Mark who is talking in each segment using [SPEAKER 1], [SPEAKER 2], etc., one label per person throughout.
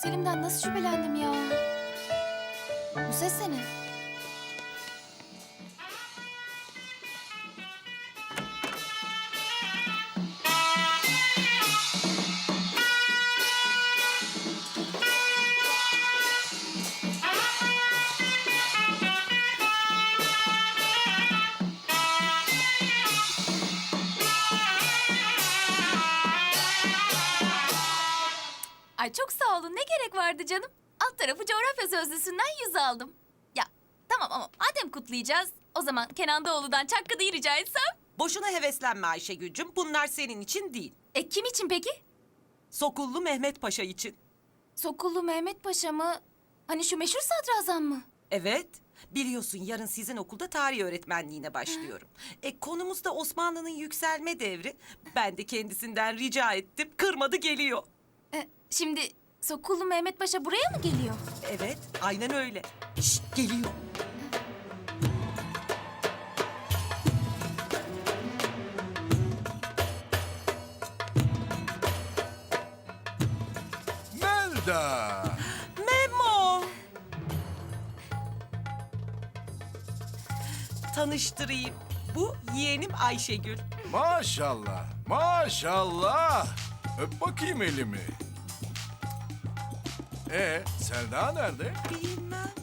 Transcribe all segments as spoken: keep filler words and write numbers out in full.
[SPEAKER 1] Selim'den nasıl şüphelendim ya? Bu ses de ne? Ay çok sağ olun. Ne gerek vardı canım? Alt tarafı coğrafya sözlüsünden yüz aldım. Ya tamam ama madem kutlayacağız, o zaman Kenan Doğulu'dan Çakkı'yı rica etsem.
[SPEAKER 2] Boşuna heveslenme Ayşegül'cüm. Bunlar senin için değil.
[SPEAKER 1] E kim için peki?
[SPEAKER 2] Sokullu Mehmet Paşa için.
[SPEAKER 1] Sokullu Mehmet Paşa mı? Hani şu meşhur sadrazam mı?
[SPEAKER 2] Evet. Biliyorsun yarın sizin okulda tarih öğretmenliğine başlıyorum. E konumuz da Osmanlı'nın yükselme devri. Ben de kendisinden rica ettim. Kırmadı geliyor.
[SPEAKER 1] E, şimdi Sokullu Mehmet Paşa buraya mı geliyor?
[SPEAKER 2] Evet, aynen öyle. Şşt, geliyor.
[SPEAKER 3] Melda!
[SPEAKER 2] Memo! Tanıştırayım. Bu yeğenim Ayşegül.
[SPEAKER 3] Maşallah, maşallah. Öp bakayım elimi. Ee, Selda nerede?
[SPEAKER 2] Bilmem.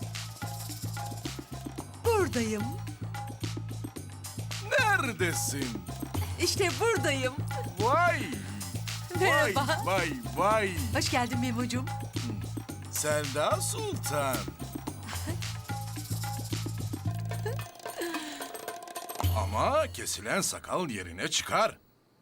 [SPEAKER 4] Buradayım.
[SPEAKER 3] Neredesin?
[SPEAKER 4] İşte buradayım.
[SPEAKER 3] Vay!
[SPEAKER 4] Merhaba.
[SPEAKER 3] Vay, vay, vay.
[SPEAKER 4] Hoş geldin Memo'cum.
[SPEAKER 3] Selda Sultan. Ama kesilen sakal yerine çıkar.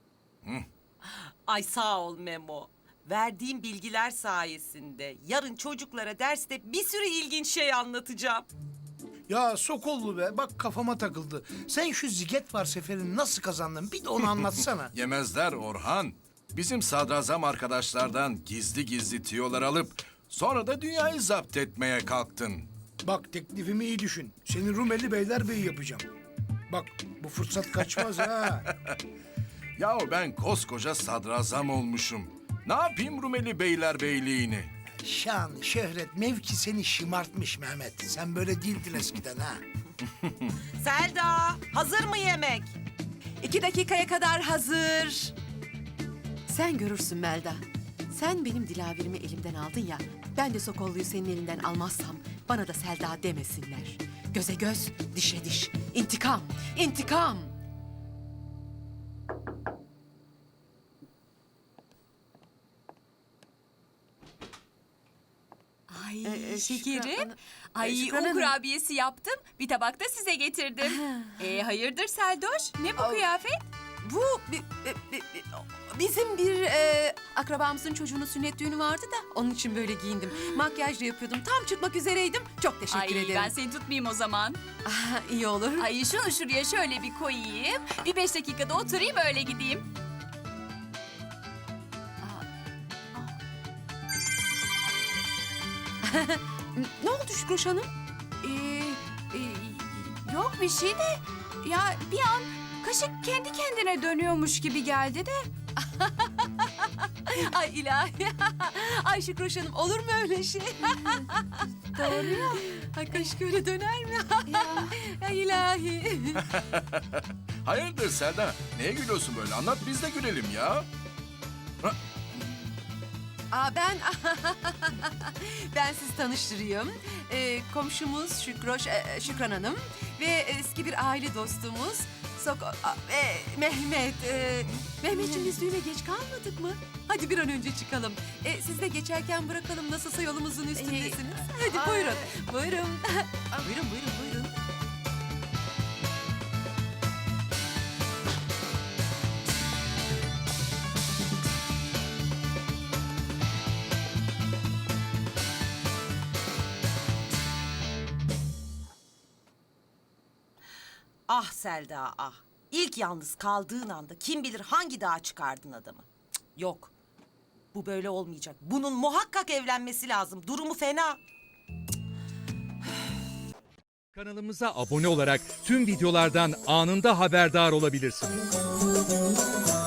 [SPEAKER 2] Ay sağ ol Memo. Verdiğim bilgiler sayesinde yarın çocuklara derste bir sürü ilginç şey anlatacağım.
[SPEAKER 5] Ya Sokollu be, bak kafama takıldı. Sen şu ziget var seferini nasıl kazandın? Bir de onu anlatsana.
[SPEAKER 3] Yemezler Orhan. Bizim sadrazam arkadaşlardan gizli gizli tiyolar alıp sonra da dünyayı zapt etmeye kalktın.
[SPEAKER 5] Bak teklifimi iyi düşün. Seni Rumeli Beylerbeyi yapacağım. Bak bu fırsat kaçmaz ha.
[SPEAKER 3] Yahu ben koskoca sadrazam olmuşum. Ne yapayım Rumeli Beylerbeyliğini?
[SPEAKER 5] Şan, şöhret, mevki seni şımartmış Mehmet. Sen böyle değildin eskiden ha.
[SPEAKER 2] Selda, hazır mı yemek?
[SPEAKER 4] İki dakikaya kadar hazır. Sen görürsün Melda. Sen benim dilaverimi elimden aldın ya. Ben de Sokollu'yu senin elinden almazsam bana da Selda demesinler. Göze göz, dişe diş. İntikam, intikam.
[SPEAKER 1] Ay
[SPEAKER 4] Ee,
[SPEAKER 1] şekerim.
[SPEAKER 4] Şükran-
[SPEAKER 1] Ay
[SPEAKER 4] Şükran
[SPEAKER 1] un
[SPEAKER 4] Hanım.
[SPEAKER 1] kurabiyesi yaptım. Bir tabak da size getirdim. e hayırdır Seldoş? Ne bu
[SPEAKER 4] Al.
[SPEAKER 1] kıyafet?
[SPEAKER 4] Bu bi- bi- bi- bi- bizim bir e, akrabamızın çocuğunun sünnet düğünü vardı da onun için böyle giyindim. Makyaj da yapıyordum. Tam çıkmak üzereydim. Çok teşekkür
[SPEAKER 1] Ay
[SPEAKER 4] ederim.
[SPEAKER 1] ben seni tutmayayım o zaman.
[SPEAKER 4] Ah, iyi olur.
[SPEAKER 1] Ay şunu şuraya şöyle bir koyayım. Bir beş dakikada oturayım öyle gideyim.
[SPEAKER 4] Ne oldu Şükroş Hanım?
[SPEAKER 1] Ee, e, yok bir şey de ya bir an kaşık kendi kendine dönüyormuş gibi geldi de.
[SPEAKER 4] Ay ilahi. Ay Şükroş Hanım olur mu öyle şey?
[SPEAKER 1] Doğru ya.
[SPEAKER 4] Ay kaşık öyle döner mi?
[SPEAKER 1] ya.
[SPEAKER 4] Ay ilahi.
[SPEAKER 3] Hayırdır Selda? Neye gülüyorsun böyle? Anlat biz de gülelim ya. Ha,
[SPEAKER 4] Aa ben ben sizi tanıştırayım. Ee, komşumuz Şükroş e, Şükran Hanım ve eski bir aile dostumuz Sok a- e, Mehmet. E, Mehmetciğim biz düğüne geç kalmadık mı? Hadi bir an önce çıkalım. E, siz de geçerken bırakalım nasılsa yolumuzun üstündesiniz. Hadi
[SPEAKER 1] ay.
[SPEAKER 4] buyurun. Buyurun. buyurun buyurun buyurun.
[SPEAKER 2] Ah Selda ah. İlk yalnız kaldığın anda kim bilir hangi dağa çıkardın adamı. Cık, yok. Bu böyle olmayacak. Bunun muhakkak evlenmesi lazım. Durumu fena.
[SPEAKER 6] Kanalımıza abone olarak tüm videolardan anında haberdar olabilirsiniz.